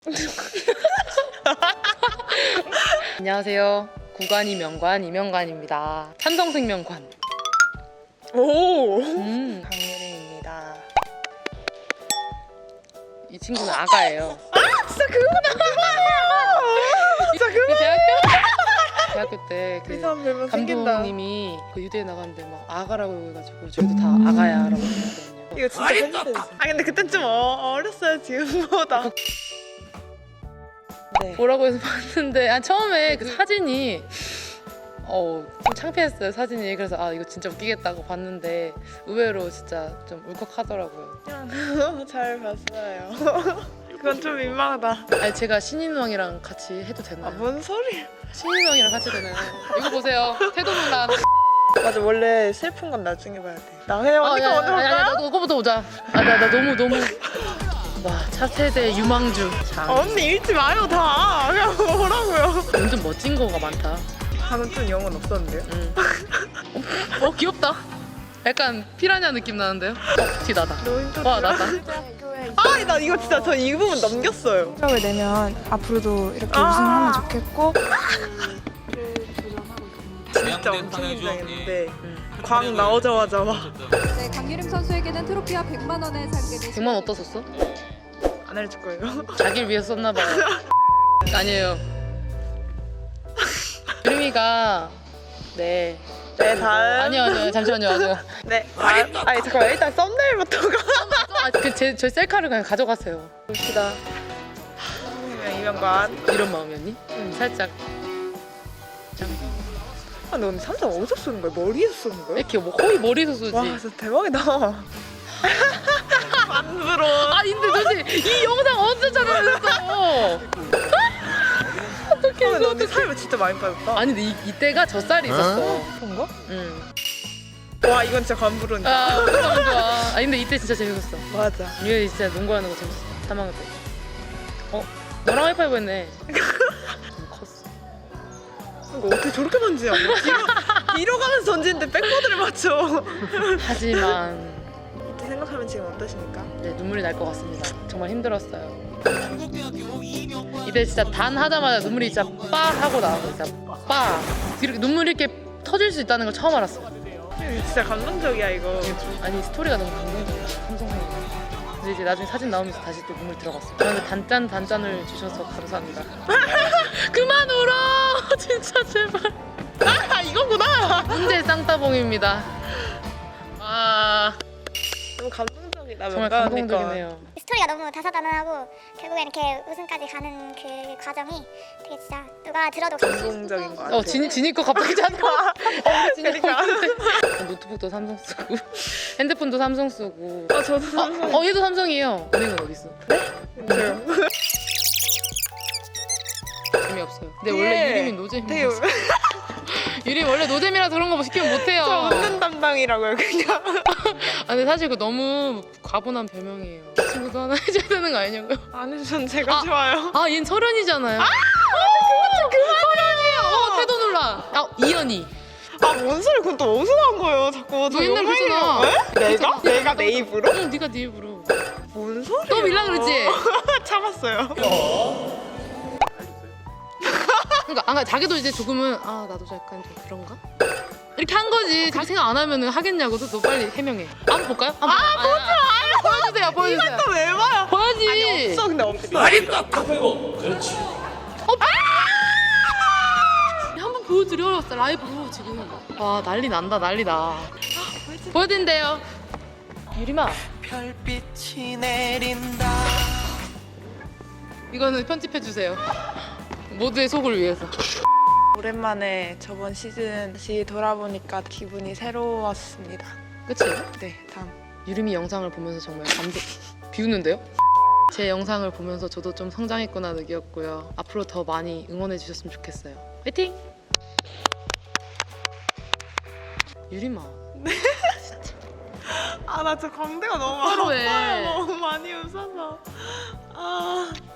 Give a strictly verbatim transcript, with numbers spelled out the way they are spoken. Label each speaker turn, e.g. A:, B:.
A: 안녕하세요. 구간이 명관 이명관입니다. 삼성생명관.
B: 오.
A: 음.
B: 강유림입니다.
A: 이 친구는 아가예요.
B: 아 진짜 그거다. 진짜
A: 그
B: 그거.
A: 대학교 대학교 때 그
B: 이 사람 별명 생긴다.
A: 감독님이 그 유대에 나갔는데 막 아가라고 해가지고 저희도 다 아가야라고 했거든요.
B: 이거 진짜 팬이었어. 아 근데 그땐 좀 어, 어렸어요 지금보다. 네.
A: 보라고 해서 봤는데 아 처음에 그 사진이 어, 좀 창피했어요 사진이. 그래서 아 이거 진짜 웃기겠다고 봤는데 의외로 진짜 좀 울컥하더라고요.
B: 그냥 잘 봤어요. 그건 좀 민망하다.
A: 아니 제가 신인왕이랑 같이 해도 되나요?
B: 아뭔 소리야.
A: 신인왕이랑 같이 되나요? 이거 보세요. 태도 논란.
B: 맞아 원래 슬픈 건 나중에 봐야 돼. 나 그냥
A: 아,
B: 언니가
A: 야,
B: 먼저
A: 야, 야, 야,
B: 볼까?
A: 나도 그거부터 보자. 아, 나, 나 너무 너무 와 차세대 유망주. 장.
B: 아, 언니 읽지 마요 다. 그냥 뭐라고요?
A: 완전 멋진 거가 많다.
B: 방금 좀 영혼 없었는데요?
A: 응. 어, 어 귀엽다. 약간 피라냐 느낌 나는데요? 어, 뒤 나다.
B: 너무 힘들다.
A: 와 나다.
B: 아, 나 이거 진짜 저 이 부분 넘겼어요.
C: 성적을 내면 앞으로도 이렇게
B: 아.
C: 우승하면 좋겠고
B: 진짜 엄청 긴장했는데 광 나오자마자 막 안
D: 네, 강유림 선수에게는 트로피와 백만 원의 상금이
A: 백만 어디다 썼어?
B: 해줄 거예요.
A: 자기를 위해서 썼나 봐요. 아니에요. 유림이가 네.
B: 네, 다음.
A: 아니요 아니요 잠시만요 아니요.
B: 네. 아, 아니 잠깐만 일단 썸네일부터가
A: 아그제 저 셀카를 그냥 가져가세요.
B: 봅시다. 그냥 이명관.
A: 이런 마음이었니? 음, 살짝
B: 아, 너 근데 삼성 어디서 쏘는 거야? 머리에서 쏘는 거야?
A: 이렇게 뭐 거의 머리에서 쏘지.
B: 와, 진짜 대박이다. 만들어.
A: 아 근데 도대체 이 영상 언제 촬영했어?
B: 어떡해. 너 근데 살이 진짜 많이 빠졌다.
A: 아니 근데 이, 이때가 젖살이 있었어.
B: 그런가?
A: 응.
B: 와, 이건 진짜 관부론이다.
A: 아 너무 좋아. 아 근데 이때 진짜 재밌었어.
B: 맞아.
A: 이게 진짜 농구하는 거 재밌어. 삼 학년 때. 어? 너랑 하이파이브 했네. 좀 컸어.
B: 이거 어떻게 저렇게 던지냐? 뭐 뒤로, 뒤로 가면서 던지는데 백보드를 맞춰.
A: 하지만
B: 이때 생각하면 지금 어떠십니까?
A: 네, 눈물이 날 것 같습니다. 정말 힘들었어요. 이때 진짜 단 하자마자 눈물이 진짜 빠 하고 나와서 진짜 빠 이렇게 눈물이 이렇게 터질 수 있다는 걸 처음 알았어.
B: 진짜 감동적이야 이거.
A: 아니 스토리가 너무 감동적이야. 삼성생명. 근데 이제 나중에 사진 나오면서 다시 또 눈물이 들어갔어. 저한테 단짠 단짠을 주셔서 감사합니다. 그만 울어 진짜 제발.
B: 아, 이거구나.
A: 문제 쌍따봉입니다. 아
B: 너무 감동적이다.
A: 정말
B: 명관
A: 감동적이네요.
E: 스토리가 너무 다사다난하고 결국에 이렇게 우승까지 가는 그 과정이 되게 진짜 누가 들어도
B: 감동적인 거 같아.
A: 어 진이 진이 거 갑자기 잖아. 어 진이
B: 그러니까.
A: 노트북도 삼성 쓰고 핸드폰도 삼성 쓰고.
B: 아, 저도 삼성.
A: 어, 어 얘도 삼성이에요. 은행은 어디 있어?
B: 저요.
A: 재미없어요. 근데 원래 유림이 노잼이
B: 되게
A: 었어 유림 원래 노잼이라서 그런 거 뭐 시키면 못해요.
B: 저 웃는 담당이라고요 그냥.
A: 아 근데 사실 그 너무 과분한 별명이에요. 이 친구도 하나 해줘야 되는 거 아니냐고요?
B: 아니 전 제가
A: 아.
B: 좋아요.
A: 아 얘는 설현이잖아요. 아 그만 설현이에요. 어 태도 논란. 아 이현이.
B: 아 뭔 소리? 그건 또 어디서 나온 거예요? 자꾸 저
A: 너 옛날
B: 영상이에요.
A: 그랬잖아.
B: 에? 내가?
A: 그랬잖아.
B: 내가 내 입으로?
A: 응 네가 네 입으로.
B: 뭔 소리야?
A: 또 밀라 그러지?
B: 참았어요.
A: 그러니까 아, 자기도 이제 조금은 아 나도 약간 좀 그런가? 이렇게 한 거지. 그렇게 생각 안 하면 하겠냐고도. 너 빨리 해명해. 한번 볼까요? 한번. 아 보지 마요. 보여주세요. 보여주세요.
B: 또 왜 봐요?
A: 보여지.
B: 아니 없어 근데 없어.
A: 한번 보여드려. 라이브로 지금. 와 난리 난다 난리 나. 보여드린대요. 유림아.
F: 별빛이 내린다.
A: 이거는 편집해 주세요. 모두의 속을 위해서.
B: 오랜만에 저번 시즌 다시 돌아보니까 기분이 새로웠습니다.
A: 그치?
B: 네 다음.
A: 유림이 영상을 보면서 정말 감동. 비웃는데요? 제 영상을 보면서 저도 좀 성장했구나 느꼈고요. 앞으로 더 많이 응원해 주셨으면 좋겠어요. 화이팅! 유림아.
B: 아 나 저 광대가 너무
A: 서로해.
B: 아파요. 너무 많이 웃어서. 아.